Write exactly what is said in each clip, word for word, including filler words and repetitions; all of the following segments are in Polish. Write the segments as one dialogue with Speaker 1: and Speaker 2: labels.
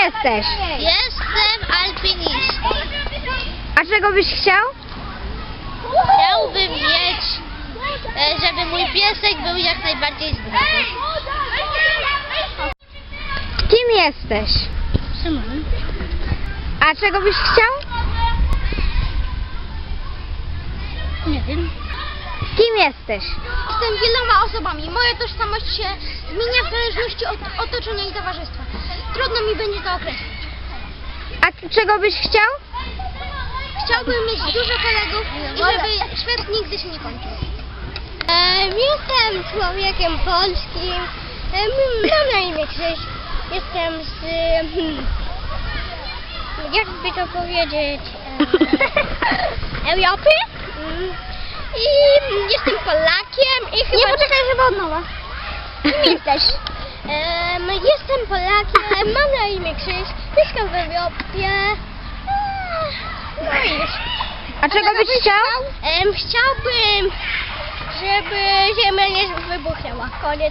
Speaker 1: jesteś?
Speaker 2: Jestem alpinistą.
Speaker 1: A czego byś chciał?
Speaker 2: Chciałbym mieć, e, żeby mój piesek był jak najbardziej zdrowy.
Speaker 1: Kim jesteś?
Speaker 2: Szymon.
Speaker 1: A czego byś chciał?
Speaker 2: Nie wiem.
Speaker 1: Kim jesteś?
Speaker 2: Jestem wieloma osobami. Moja tożsamość się zmienia w zależności od otoczenia i towarzystwa. Trudno mi będzie to określić.
Speaker 1: A czego byś chciał?
Speaker 2: Chciałbym mieć dużo kolegów i żeby świat nigdy się nie kończył. Um, jestem człowiekiem polskim. Um, mam na imię Krzyś. Jestem z... Hmm, jakby to powiedzieć... Um, Europy. Um, I jestem Polakiem i chyba... Nie, poczekaj, chyba od nowa. Kim jesteś? Um, jestem Polakiem, mam na imię Krzyś. Mieszkam w Europie. No i już.
Speaker 1: A czego byś chciał?
Speaker 2: Em, chciałbym, żeby Ziemia nie wybuchnęła. Koniec.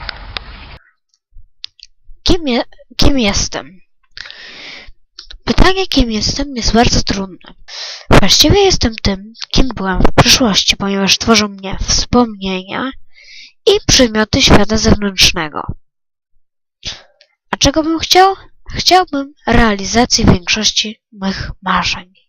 Speaker 3: Kim, je, kim jestem? Pytanie, kim jestem, jest bardzo trudne. Właściwie jestem tym, kim byłem w przeszłości, ponieważ tworzą mnie wspomnienia i przymioty świata zewnętrznego. A czego bym chciał? Chciałbym realizacji większości mych marzeń.